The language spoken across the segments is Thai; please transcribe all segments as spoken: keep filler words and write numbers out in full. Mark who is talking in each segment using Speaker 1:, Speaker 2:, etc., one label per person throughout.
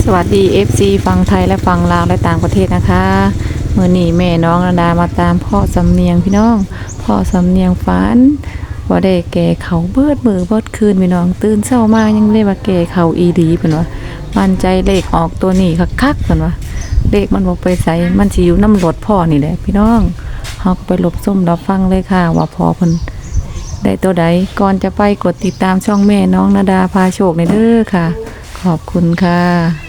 Speaker 1: สวัสดี เอฟ ซี ฝั่งไทยและฝั่งลาวและต่างประเทศนะคะเมื่อนี้แม่น้องนาดามาตามพ่อสำเนียงพี่น้องพ่อสำเนียงฝันว่าได้แก่เขาเบิดมือเบิดคืนพี่น้องตื่นเช้ามายังเรียกว่าแก่เขาอีดีเพิ่นว่ามั่นใจเลขออกตัวนี้คักๆเพิ่นว่าเลขมันบ่ไปไสมันสิอยู่น้ำรถพ่อนี่แหละพี่น้องเฮาก็ไปหลบซุ่มรับฟังเลยค่ะว่าพ่อเพิ่นได้ตัวใดก่อนจะไปกดติดตามช่องแม่น้องนาดาพาโชคในเด้อค่ะขอบคุณค่ะ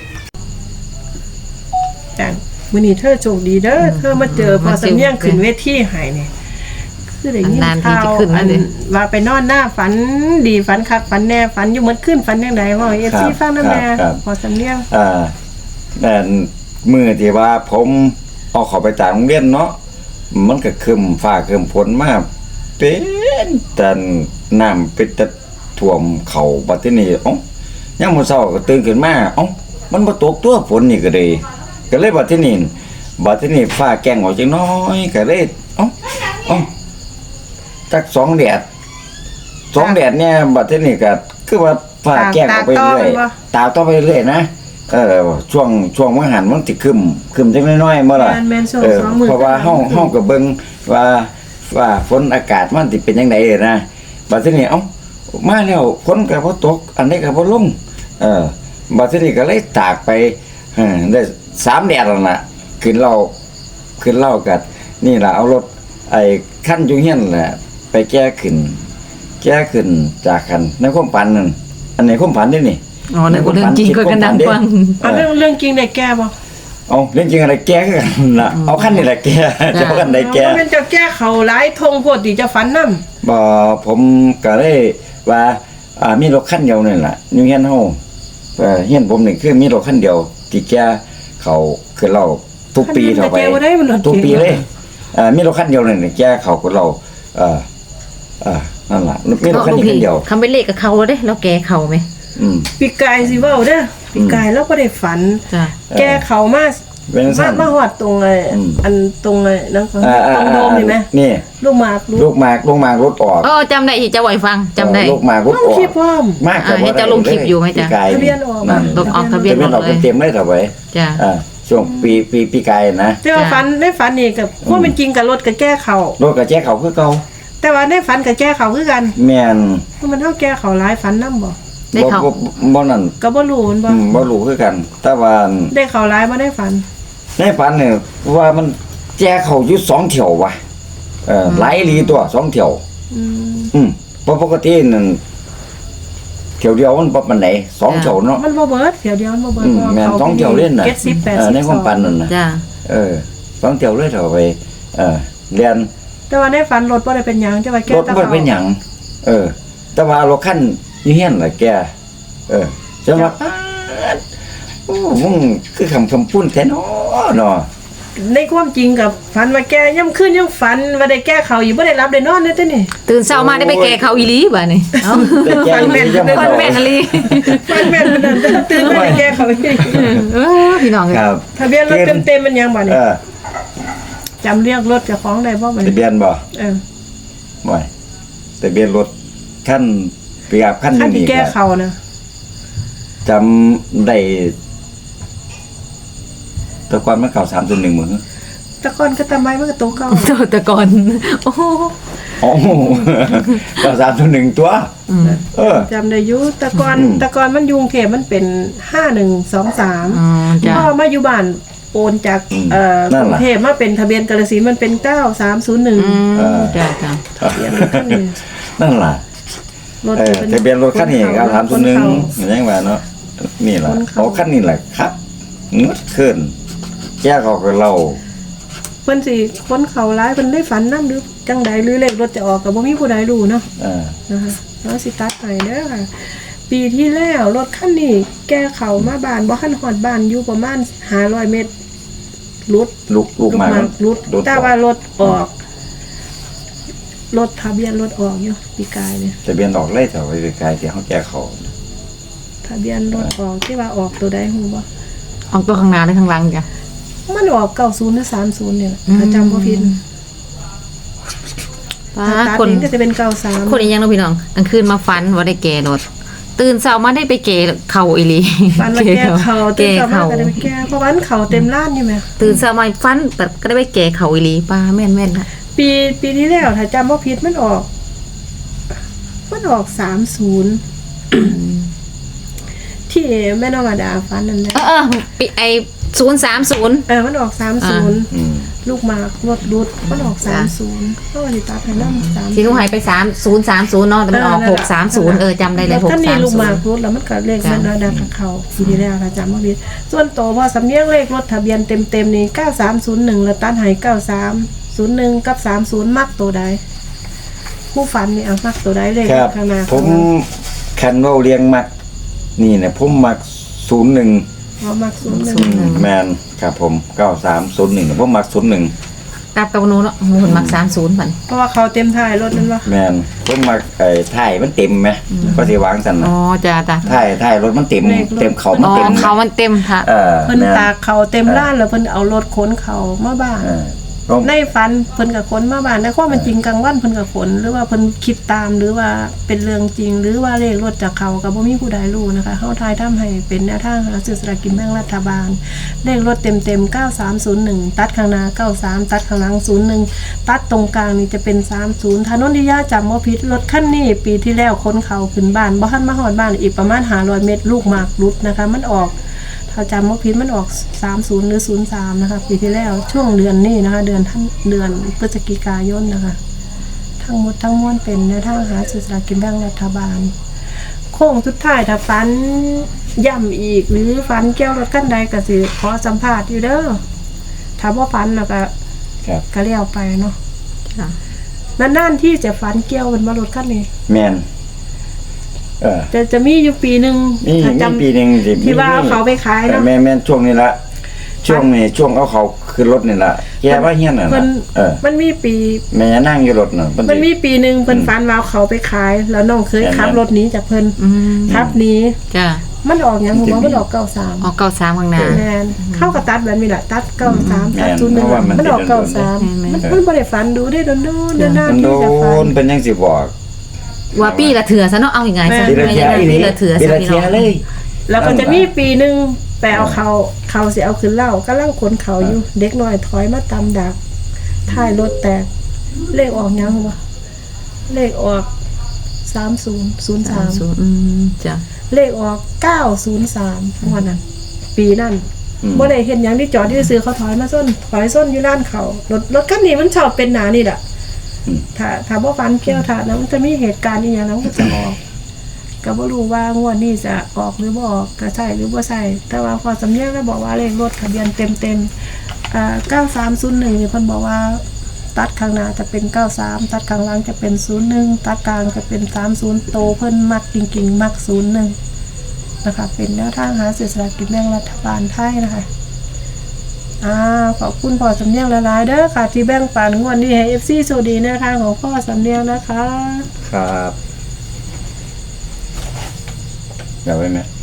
Speaker 2: แต่มื้อนี้เธอโชคดีเด้อเธอมาเจอพอสำเนียงขึ้นเวทีให้เนี่ยคือได้ยินข่าวอันว่าไปนอนหน้าฝันดีฝันคักฝันแน่ฝันอยู่เหมือนขึ้นฝันจังได๋ว่า เอฟ ซี ฟังนำแน่พอสำเนียง
Speaker 3: อ่าแต่มื้อที่ว่าผมเอาเข้าไปจากโรงเรียนเนาะมันก็ครึ้มฟ้าครึ้มฝนมาเป็นแต่น้ำเป็นตะท่วมเข้าบัดทีนี้เอ้ายามมื้อเช้าก็ตื่นขึ้นมาเอ้ามันบ่ตกตัวฝนนี่ก็เลยก็เลยบัดทีนี้บัดทีนี้ฟ้าแกล้งออกจังน้อยก็เลยเอ้าเอ้าจักสองแดดสองแดดเนี่ยบัดทีนี้ก็คือว่าฟ้าแกล้งออกไปเรื่อยตาต่อไปเรื่อยนะเออช่วงช่วงมื้อหันมันสิครึ้มครึ้มจังน้อยๆบ่ล่ะเออเพราะว่าเฮาเฮาก็เบิ่งว่าว่าฝนอากาศมันสิเป็นจังได๋นะบัดทีนี้เอ้ามาแล้วฝนก็บ่ตกอันนี้ก็บ่ลงเออบัดทีนี้ก็เลยตากไปเออได้สามแดดแล้วน่ะขึ้นเราขึ้นเล่ากันนี่ล่ะเอารถไอ้คันอยู่เฮียนแหละไปแก้ขึ้นแก้ขึ้นจากคันในความฝันนั่นอันไหนความฝันนี่นี่
Speaker 1: อ๋อในเรื่องจริงก็กันดังฟัง
Speaker 2: เอาเรื่องเรื่องจริงได้แก้บ่
Speaker 3: เอาเรื่องจริงอะไรแก้กันล่ะเอาคันนี่แหละแก้จะเอาคันใดแก้
Speaker 2: มันเป็นจะแก้เขาหลายทงโพดที่จะฝันนำ
Speaker 3: บ่ผมก็เลยว่าอ่ามีรถคันเดียวนี่ล่ะอยู่เฮียนเฮาเอ่อเฮียนผมนี่คือมีรถคันเดียวที่แก้เขาคือเราทุกปีเท่าไปทุกปีเลยเอ่อมีรถคันเดียวนี่แก้เขาคือเราเอ่อเอ่อนั่นล่ะมีรถคันเดียว
Speaker 1: คำเป็นเลขกับเขาเด้แล้วแกเขามั้ย
Speaker 3: อืม
Speaker 2: ปีกายสิเว้าเด้อปีกายแล้วก็ได้ฝันแก้เขามามามาฮอดตรงไอ้อันตรงไอ้นั่นของตรงโดมนี่มั้ย
Speaker 3: นี่
Speaker 2: ลูกหมาก
Speaker 3: ลูกหมากลูกหมากรถออก
Speaker 1: เออจำได้อีกจะไหวฟังจำได้
Speaker 3: ลูกหมากรถออก
Speaker 2: คลิปพร้อม
Speaker 3: มาก
Speaker 1: ให้จะลงคลิปอยู่มั้ยจ๊ะ
Speaker 2: ทะเบียนออก
Speaker 1: นั่นตกออกทะเบียนออก
Speaker 3: เลยเต็มเลยเท่าไว้
Speaker 1: จ้ะ
Speaker 3: อ่าช่วงปีปีปีกายนะ
Speaker 2: แต่ว่าฝันได้ฝันนี่กับความเป็นจริงกับรถกับแก้เขา
Speaker 3: รถกับแก้เขาคือเก่า
Speaker 2: แต่ว่าได้ฝันกับแก้เขาคือกัน
Speaker 3: แม่น
Speaker 2: มันเฮาแก้เขาหลายฝันนำบ่
Speaker 1: ได้เขา
Speaker 3: บ่นั่น
Speaker 2: ก็บ่รู้มันบ่
Speaker 3: บ่รู้คือกันแต่ว่า
Speaker 2: ได้เขาหลายบ่ได้ฝัน
Speaker 3: ในฝันเนี่ยว่ามันแก้เขาอยู่สองเที่ยวว่ะเออหลายลีตัวสองเที่ยวอืมอืมเพราะปกตินั่นเที่ยวเดียวมันบ่ปานใดสองเที่ยวเนาะ
Speaker 2: มันบ่เบิดเที่ยวเดียวมันบ่เบิด
Speaker 3: แม่นสองเที่ยวเล่นน่ะ
Speaker 2: เจ็ดสิบ แปดสิบ
Speaker 3: ในความฝันนั่นน่ะ
Speaker 1: จ้ะ
Speaker 3: เออสองเที่ยวเลยเท่าไปเออเรียน
Speaker 2: แต่ว่าในฝันรถบ่ได้เป็นหยังแต่ว่าแก้
Speaker 3: รถบ่เป็นหยังเออแต่ว่ารถคันอยู่เฮียนล่ะแกเออจังว่าโอ้มึงคือคำคำพูดแท้เนาะเนาะ
Speaker 2: ในความจริงกับฝันว่าแกย่ำขึ้นย่ำฝันว่าได้แก้เขาอยู่บ่ได้รับได้นอนเด้อตินี่
Speaker 1: ตื่นเช้ามาได้ไปแก้เขาอีหลีบัดนี้เอ้า
Speaker 3: ฝันแม่น
Speaker 1: ฝันแม่นอีหลี
Speaker 2: ฝันแม่นนั่นตื่นมาได้แก้เขา
Speaker 1: เออพี่น้อง
Speaker 3: ครับ
Speaker 2: ทะเบียนรถเต็มๆมันยังบ่นี่เออจำเรียกรถเจ้าของได้บ่บัดนี้
Speaker 3: ทะเบียนบ่
Speaker 2: เออ
Speaker 3: บ่ทะเบียนรถคันเปียบคันนี้นี่
Speaker 2: แก้เขานะ
Speaker 3: จำได้ตะกอนมันเก่าสามตัวหนึ่งเหมือน
Speaker 2: ตะกอนก็ทำไมมันก็โตเก่า
Speaker 1: ตะกอนโอ้
Speaker 3: โอ้เก่าสามตัวหนึ่งตัวเออ
Speaker 2: จำได้อยู่ตะกอนตะกอนมันยุงเทพมันเป็นห้าหนึ่งสองสามพ่อมาอยู่บ้านโอนจากเอ่อกรุงเทพมาเป็นทะเบียนกาฬสินธุ์มันเป็นเก้าสามศูนย์หนึ่ง
Speaker 1: จ้ะจ้ะ
Speaker 3: ทะเบียนนั่นล่ะรถทะเบียนรถคันนี้เก้าสามศูนย์หนึ่งยังไงเนาะนี่แหละโอ้คันนี้แหละครับงดขึ้นแก้เขากับเรา
Speaker 2: เพิ่นสิคนเขาร้ายเพิ่นได้ฝันนำหรือจังใดหรือเลขรถจะออกก็บ่มีผู้ใดรู้เนาะอ่านะคะแล้วสิตัดให้เด้อค่ะปีที่แล้วรถคันนี้แก้เขามาบ้านบ่ทันฮอดบ้านอยู่ประมาณห้าร้อยเมตรรุด
Speaker 3: ลุกลุกมา
Speaker 2: รุดแต่ว่ารถออกรถทะเบียนรถออกอยู่ปีกายเนี่ย
Speaker 3: ทะเบียนออกเลยแถวปีกายที่เฮาแก้เขา
Speaker 2: ทะเบียนรถออกที่ว่าออกตัวใดฮู้บ่
Speaker 1: ออกตัวข้างหน้าหรือข้างหลังจ้ะ
Speaker 2: มันออกเก้าสิบหรือสามสิบเนี่ยถ้าจำบ่ผิด
Speaker 1: ป้าคน
Speaker 2: ก็จะเป็นเก้าสิบสาม
Speaker 1: คนอีหยังเนาะพี่น้องกลางคืนมาฝันว่าได้แก่รถตื่นเช้ามาได้ไปเก๋เข่าอีหลี
Speaker 2: ฟันมาแก้เขาเต็ม
Speaker 1: เก๋
Speaker 2: สามาร
Speaker 1: เข่า
Speaker 2: ถก็ได้ไปแก้เพราะวันเขาเต็มร้านอยู่ไหม
Speaker 1: ตื่นเช้ามาฟันแต่ก็ได้ไปเก๋เข่าอีหลีป้าแม่นแม่นค่ะ
Speaker 2: ปีปีที่แล้วถ้าจำว่าผิดมันออก มันออกสามศูนย์ที่แม่น้องอดาฟันนั่นแหละ
Speaker 1: เออเออปีไอศูนย์สามศูนย์
Speaker 2: เออมันออกสามศูนย์
Speaker 3: อืม
Speaker 2: ลูกหมากรถรุดมันออกสามศูนย์ก็วันนี้ตาไทยน้ำสาม
Speaker 1: ที่หนูใหายไปสามศูนย์สามศูนย์เนาะแต่มันออกหกสามศูนย์เออจำได้เลยหก
Speaker 2: ท่าน
Speaker 1: สา
Speaker 2: นี่
Speaker 1: ม
Speaker 2: ลูก
Speaker 1: ศู
Speaker 2: หมาน ก
Speaker 1: ย์
Speaker 2: รถแล้วมันก็เลขแม่น้อยดังกับเขาปีที่แล้วถ้าจำว่าผิดส่วนโตวพอสำเนียงเลขรถทะเบียนเต็มเต็มๆนี่เก้าสามศูนย์หนึ่งแล้วตันหายเก้าสามศูนย์หนึ่งกับสามศูนย์มักตัวใดผู้ฝันนี่เอามักตัวใดเลข
Speaker 3: ครับ
Speaker 2: ข้างหน้า
Speaker 3: ผมคันเว่าเรียงมัก นี่เนี่ยผมมักศูนย์หนึ่ง
Speaker 2: เอามักศูนย์หนึ่ง
Speaker 3: แมนครับผมเก้าสามศูนย์หนึ่งผมมักศูนย์หนึ่ง
Speaker 1: กลับกับหนูเนาะหนูคนมักสามศูนย์มัน
Speaker 2: เพราะว่าเขาเต็มท้ายรถนั่นวะ
Speaker 3: แมนผมมักไอ้ท้ายมันเต็มไหมก็สิวางสัน
Speaker 1: อ๋
Speaker 3: นะ
Speaker 1: อจ้าจ้า
Speaker 3: ท้ายท้ายรถมันเต็มเต็มเขามัน
Speaker 1: อ๋อ
Speaker 3: เต็ม
Speaker 1: เขามันเต็มค่ะ
Speaker 3: เออ
Speaker 2: เพิ่น
Speaker 3: แม่น
Speaker 2: ตากเขาเต็มร้านแล้วเพิ่นเอารถขนเขามาบ้าน
Speaker 3: เออผม
Speaker 2: ในฝันเพิ่นกับขนมาบ้านในความเป็นจริงกลางวันเพิ่นกับขนหรือว่าเพิ่นคิดตามหรือว่าเป็นเรื่องจริง หรือว่าเลขรถจากเขากับบ่มีผู้ใดรู้นะคะเฮาทายทำให้เป็นแนวทางหาซื้อสลากกินแบ่งรัฐบาล เลขรถเต็มๆเก้าสามศูนย์หนึ่งตัดข้างหน้าเก้าสามตัดข้างหลังศูนย์หนึ่งตัดตรงกลางนี่จะเป็นสามสิบถนนที่ย่าจำบ่ผิดรถคันนี้ปีที่แล้วขนเขาขึ้นบ้านบ่ทันมาฮอดบ้านอีกประมาณห้าร้อยเมตรลูกหมากรุดนะคะมันออก ถ้าจำว่าพิษมันออกสามสิบหรือศูนย์สามนะคะปีที่แล้วช่วงเดือนนี้นะคะ เดือนท่านเดือนพฤศจิกายนนะคะ ทั้งหมดทั้งมวลเป็นแนวทางหาสื่อสลารกินแบ่งรัฐบาล โค้งสุดท้ายถ้าฟันย่ำอีก หรือฟันเกี่ยวรถขั้นใดก็สิขอสัมภาษณ์อยู่เด้อถ้าว่าฟันแล้วก็
Speaker 3: ครับ
Speaker 2: ก็เลี้ยวไปเนาะ
Speaker 1: ค่ะ
Speaker 2: นานๆที่จะฟันเกี่ยวเป็นมารถขั้นนี้
Speaker 3: แมนเออ
Speaker 2: แต่จะมีอยู่ปีหนึ่ง
Speaker 3: นี่
Speaker 2: ถ้า
Speaker 3: มี
Speaker 2: จำ
Speaker 3: ปีหนึ่งสิ
Speaker 2: ที่ว่าเอาเขาไปขายเนอะ
Speaker 3: แม่แม่นช่วงนี้ละช่วงนี้ช่วงเอาเขาขึ้นรถนี่ละแกว่าเฮี้ยนน่ะ
Speaker 2: เพิ่
Speaker 3: นะ
Speaker 2: น
Speaker 3: เออ
Speaker 2: มันมีปี
Speaker 3: แม่นั่งอยู่รถน่ะเพิ่
Speaker 2: มัน
Speaker 3: สิ
Speaker 2: มีปีหนึ่งเพิ่นฟันวาวเขาไปขาย แล้วน้องเคย
Speaker 3: แม่นๆ
Speaker 2: ขับรถหนี้จากเพิ่น
Speaker 1: อืม
Speaker 2: ขับหนี้
Speaker 1: จ้า
Speaker 2: มันออกหยังผมว่ามันออกเก้าสาม
Speaker 1: ออกเก้าสามข้างหน้า
Speaker 2: แมนเข้ากับตัดแบบนี้แหละตัดเก้าสาม
Speaker 3: แม่
Speaker 2: ตัด
Speaker 3: น
Speaker 2: ศูนย์หนึ่ง
Speaker 3: เพราะว่ามัน
Speaker 2: มันออก
Speaker 3: เป็น
Speaker 2: เก้า
Speaker 3: โดนๆ
Speaker 2: สาม
Speaker 1: แม่นๆ
Speaker 2: มันมันบ่ได้ฟันดูได้โดนโดนๆนาน
Speaker 3: มัน
Speaker 2: ๆ
Speaker 3: โด
Speaker 2: ที่จะฟัน
Speaker 3: นเป็นยังสิบอก
Speaker 1: ว่าปีละเถื่อซะเนาะเอาอย่างไงซะ
Speaker 3: ปีละ
Speaker 1: ไม่
Speaker 3: เทีย
Speaker 1: ได้
Speaker 3: อี
Speaker 1: ปี
Speaker 3: นี่
Speaker 1: ละเถื่อ
Speaker 3: ปี
Speaker 1: ซะ
Speaker 3: ละ
Speaker 1: พี่
Speaker 3: เที
Speaker 1: น้
Speaker 3: ย
Speaker 1: อง
Speaker 3: เลย
Speaker 2: แล้วก็จะมีปีหนึ่งไปเอาเขาเขาสิเอาขึ้นเหล้ากำลังขนเขาอยู่ เด็กน้อยถอยมาตำดักท้ายรถแตก เลขออกหยังวะเลขออกสามศูนย์ศูนย์
Speaker 1: สา
Speaker 2: สาม ม
Speaker 1: ศูนย์อืมจ้ะ
Speaker 2: เลขออกเก้าศูนย์สามวันนั้น ปีนั้น
Speaker 3: อืม
Speaker 2: บ่ได้เห็นหยังที่จอดที่ซื้อเขาถอยมาส้นถอยส้นอยู่ร้านเขารถรถคันนี้มันชอบเป็นหนานี่แหละ
Speaker 3: อืม
Speaker 2: ถ้าถ้าบ่ฟันเกี่ยวถ้านะมันจะมีเหตุการณ์อีหยังนั้นก็จะออกก็บ่รู้ว่างวดนี้จะออกหรือบ่ออกก็ใช่หรือบ่ใช่แต่ว่าพอสำเนียงแล้วบอกว่าเลขรถทะเบียนเต็มๆอ่าเก้าสามศูนย์หนึ่งนี่เพิ่นบอกว่าตัดข้างหน้าจะเป็นเก้าสามตัดข้างหลังจะเป็นศูนย์หนึ่งตัดกลางจะเป็นสามศูนย์โตเพิ่นมักจริงๆมักศูนย์หนึ่งนะคะเป็นแนวทางหาเสียสละกินแบ่งรัฐบาลไทยนะคะอ่าขอบคุณพ่อสำเนียงหลายๆเด้อค่ะที่แบ่งปันงวดนี้ให้ เอฟ ซี โชคดีแนวทางของพ่อสำเนียงนะคะ
Speaker 3: ครับเดี๋ยวไว้ไหม